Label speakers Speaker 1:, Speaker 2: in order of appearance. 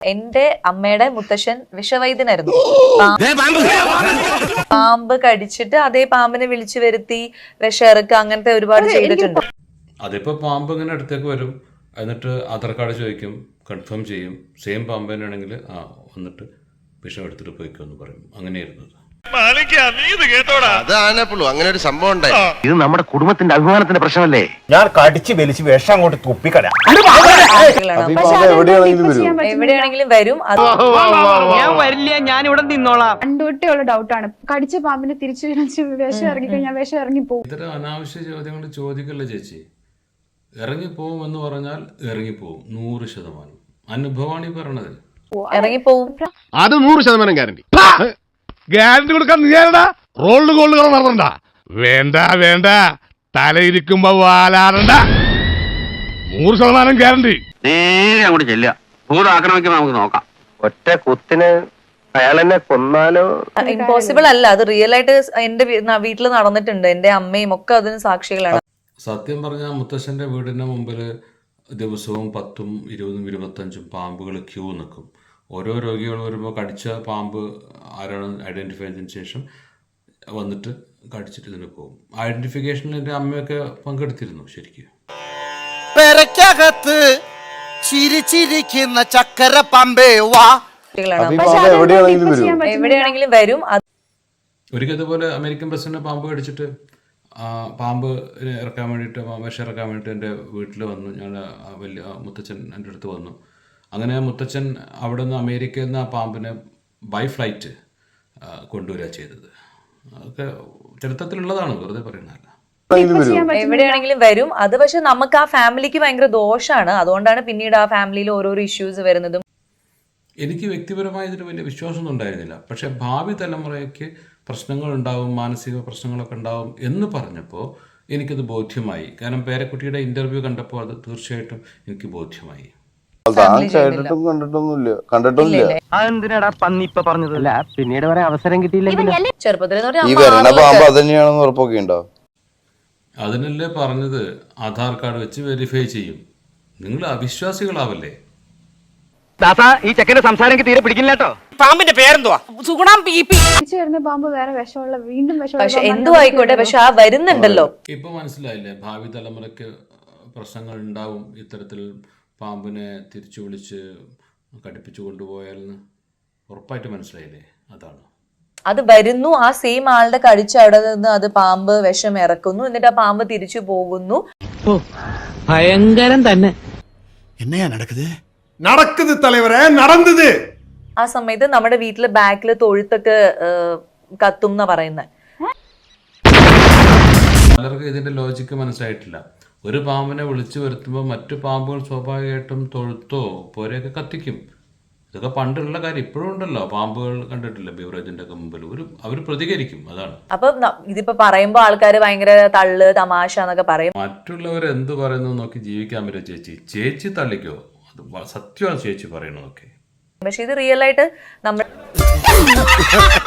Speaker 1: എന്റെ അമ്മയുടെ മുത്തശ്ശൻ വിഷവൈദ്യനായിരുന്നു. പാമ്പ് കടിച്ചിട്ട് അതേ പാമ്പിനെ വിളിച്ചു വരുത്തി വിഷയിറക്കുക അങ്ങനത്തെ ഒരുപാട് ചെയ്തിട്ടുണ്ട്.
Speaker 2: അതിപ്പോ പാമ്പ് ഇങ്ങനെ അടുത്തേക്ക് വരും, എന്നിട്ട് ആധാർ കാർഡ് ചോദിക്കും, കൺഫേം ചെയ്യും, സെയിം പാമ്പ് തന്നെയാണെങ്കിൽ വന്നിട്ട് വിഷം എടുത്തിട്ട് പോയിക്കോന്ന് പറയും. അങ്ങനെയായിരുന്നു.
Speaker 3: അങ്ങനെ ഒരു സംഭവം ഉണ്ടായി.
Speaker 4: ഇത് നമ്മുടെ കുടുംബത്തിന്റെ അഭിമാനത്തിന്റെ പ്രശ്നമല്ലേ?
Speaker 5: ഞാൻ കടിച്ച് വലിച്ച് വിഷം അങ്ങോട്ട് തുപ്പിക്കളയാം.
Speaker 1: എവിടെയാണെങ്കിലും വരും.
Speaker 6: ഞാൻ വരില്ല, ഞാൻ ഇവിടെ നിന്നോളാം.
Speaker 7: പണ്ടുതൊട്ടേയുള്ള ഡൗട്ടാണ്. കടിച്ച പാമ്പിനെ തിരിച്ചു വിഷം ഇറങ്ങി കഴിഞ്ഞാൽ വിഷം ഇറങ്ങിപ്പോകും.
Speaker 2: ഇത്തരം അനാവശ്യ ചോദ്യങ്ങൾ ചോദിക്കല്ലേ ചേച്ചി. ഇറങ്ങിപ്പോവും എന്ന് പറഞ്ഞാൽ ഇറങ്ങിപ്പോവും 100%. അനുഭവമാണ് ഈ പറയണത്.
Speaker 1: ഇറങ്ങിപ്പോവും.
Speaker 3: അത് 100% ഗ്യാരണ്ടി.
Speaker 8: ഗ്യാരണ്ടി കൊടുക്കാൻ നീയാരടാ? റോൾഡ് ഗോൾഡുകൾ നടത്തണ്ട. വേണ്ട വേണ്ട, തലയിരിക്കുമ്പോ വാലാറണ്ട. 100% ഗ്യാരണ്ടി.
Speaker 4: നേരെ അങ്ങോട്ട് ചെല്ലുക. ഭൂതാക്രമിക്കുമ്പോ നമുക്ക് നോക്കാം.
Speaker 5: ഒറ്റ കുത്തിന് അയാൾ എന്നെ കൊന്നാലോ?
Speaker 1: ഇമ്പോസിബിൾ അല്ല, അത് റിയൽ ആയിട്ട് എന്റെ വീട്ടിൽ നടന്നിട്ടുണ്ട്. എന്റെ അമ്മയും ഒക്കെ അതിന് സാക്ഷികളാണ്.
Speaker 2: സത്യം പറഞ്ഞാൽ മുത്തശ്ശൻ്റെ വീടിൻ്റെ മുമ്പിൽ ദിവസവും 10, 20, 25 പാമ്പുകൾ ക്യൂ നിൽക്കും. ഓരോ രോഗികൾ വരുമ്പോൾ കടിച്ച പാമ്പ് ആരാണ് ഐഡൻറ്റിഫൈ ചെയ്തതിന് ശേഷം വന്നിട്ട് കടിച്ചിട്ട് ഇതിന് പോകും. ഐഡൻറ്റിഫിക്കേഷനിൽ എൻ്റെ അമ്മയൊക്കെ പങ്കെടുത്തിരുന്നു. ശരിക്കും
Speaker 3: പെരക്കകത്ത് ചിരിച്ചിരിക്കുന്ന ചക്കര പമ്പേ വാ.
Speaker 1: എവിടെയാണെങ്കിലും വരും.
Speaker 2: ഒരിക്കൽ ഇതുപോലെ അമേരിക്കൻ പ്രസിഡന്റ് പാമ്പ് കടിച്ചിട്ട് പാമ്പ് ഇറക്കാൻ വേണ്ടിയിട്ട്, വിഷം ഇറക്കാൻ വേണ്ടിയിട്ട് എൻ്റെ വീട്ടിൽ വന്നു. ഞാൻ വലിയ മുത്തച്ഛൻ എൻ്റെ അടുത്ത് വന്നു. അങ്ങനെ മുത്തച്ഛൻ അവിടെ നിന്ന് അമേരിക്കയിൽ നിന്ന് ആ പാമ്പിനെ ബൈ ഫ്ലൈറ്റ് കൊണ്ടുവരിക ചെയ്തത്. അതൊക്കെ ചരിത്രത്തിലുള്ളതാണ്, വെറുതെ പറയുന്നതല്ല.
Speaker 1: എവിടെയാണെങ്കിലും വരും. അത് പക്ഷെ നമുക്ക് ആ ഫാമിലിക്ക് ഭയങ്കര ദോഷമാണ്. അതുകൊണ്ടാണ് പിന്നീട് ആ ഫാമിലിയിൽ ഓരോരോ ഇഷ്യൂസ് വരുന്നതും.
Speaker 2: എനിക്ക് വ്യക്തിപരമായി ഇതിന് വലിയ വിശ്വാസമൊന്നും ഉണ്ടായിരുന്നില്ല. പക്ഷെ ഭാവി തലമുറയ്ക്ക് പ്രശ്നങ്ങളുണ്ടാവും, മാനസിക പ്രശ്നങ്ങളൊക്കെ ഉണ്ടാവും എന്ന് പറഞ്ഞപ്പോൾ എനിക്കത് ബോധ്യമായി. കാരണം പേരക്കുട്ടിയുടെ ഇന്റർവ്യൂ കണ്ടപ്പോൾ അത് തീർച്ചയായിട്ടും എനിക്ക് ബോധ്യമായി.
Speaker 6: അതെന്തിനാടാ പന്നി ഇപ്പൊ പറഞ്ഞതല്ല, പിന്നീട് വരെ അവസരം കിട്ടിയില്ലെങ്കിൽ
Speaker 1: ചെറുപ്പത്തിൽ
Speaker 2: അതിനല്ലേ പറഞ്ഞത്, ആധാർ കാർഡ് വെച്ച് വെരിഫൈ ചെയ്യും. നിങ്ങൾ അവിശ്വാസികളാവല്ലേ?
Speaker 6: ഈ ചെക്കന്റെ സംസാരം എനിക്ക് തീരെ പിടിക്കില്ല കേട്ടോ.
Speaker 9: പാമ്പിന്റെ പേരെന്തുവാ?
Speaker 7: തിരിച്ചു വരുന്ന പാമ്പ് വേറെ വിഷമുള്ള, വീണ്ടും
Speaker 1: പക്ഷെ എന്തു ആയിക്കോട്ടെ, പക്ഷെ ആ വരുന്നുണ്ടല്ലോ.
Speaker 2: ഇപ്പൊ മനസ്സിലായില്ലേ ഭാവി തലമുറയ്ക്ക് പ്രശ്നങ്ങൾ ഉണ്ടാവും ഇത്തരത്തിൽ പാമ്പിനെ തിരിച്ചു വിളിച്ച് കടിപ്പിച്ചു കൊണ്ടുപോയാലെന്ന് ഉറപ്പായിട്ട് മനസ്സിലായില്ലേ? അതാണ്
Speaker 1: അത് വരുന്നു. ആ സെയിം ആളുടെ കടിച്ച അവിടെ നിന്ന് അത് പാമ്പ് വിഷം ഇറക്കുന്നു, എന്നിട്ട് ആ പാമ്പ് തിരിച്ചു പോകുന്നു.
Speaker 6: ഭയങ്കരം തന്നെ.
Speaker 3: എന്നയാ നടക്കുന്നത് തലവരെ നടന്നത്.
Speaker 1: ആ സമയത്ത് നമ്മുടെ വീട്ടില് ബാക്കില് തൊഴുത്തൊക്കെ കത്തും എന്നാ പറയുന്നത്.
Speaker 2: പലർക്കും ഇതിന്റെ ലോജിക്ക് മനസ്സിലായിട്ടില്ല. ഒരു പാമ്പിനെ വിളിച്ചു വരുത്തുമ്പോൾ മറ്റു പാമ്പുകൾ സ്വാഭാവികമായിട്ടും തൊഴുത്തോ പോരെയൊക്കെ കത്തിക്കും. ഇതൊക്കെ പണ്ടുള്ള കാര്യം. ഇപ്പോഴും ഉണ്ടല്ലോ പാമ്പുകൾ, കണ്ടിട്ടില്ല ബീവറേജിന്റെ ഒക്കെ മുമ്പിൽ അവർ പ്രതികരിക്കും. അതാണ്.
Speaker 1: അപ്പൊ ഇതിപ്പോ പറയുമ്പോ ആൾക്കാര് ഭയങ്കര തള്ള് തമാശ എന്നൊക്കെ പറയും.
Speaker 2: മറ്റുള്ളവർ എന്ത് പറയുന്നു നോക്കി ജീവിക്കാൻ പറ്റുമോ ചേച്ചി തള്ളിക്കോ? അത് സത്യമാണ് ചേച്ചി പറയണതൊക്കെ.
Speaker 1: പക്ഷെ ഇത് റിയൽ ആയിട്ട് നമ്മൾ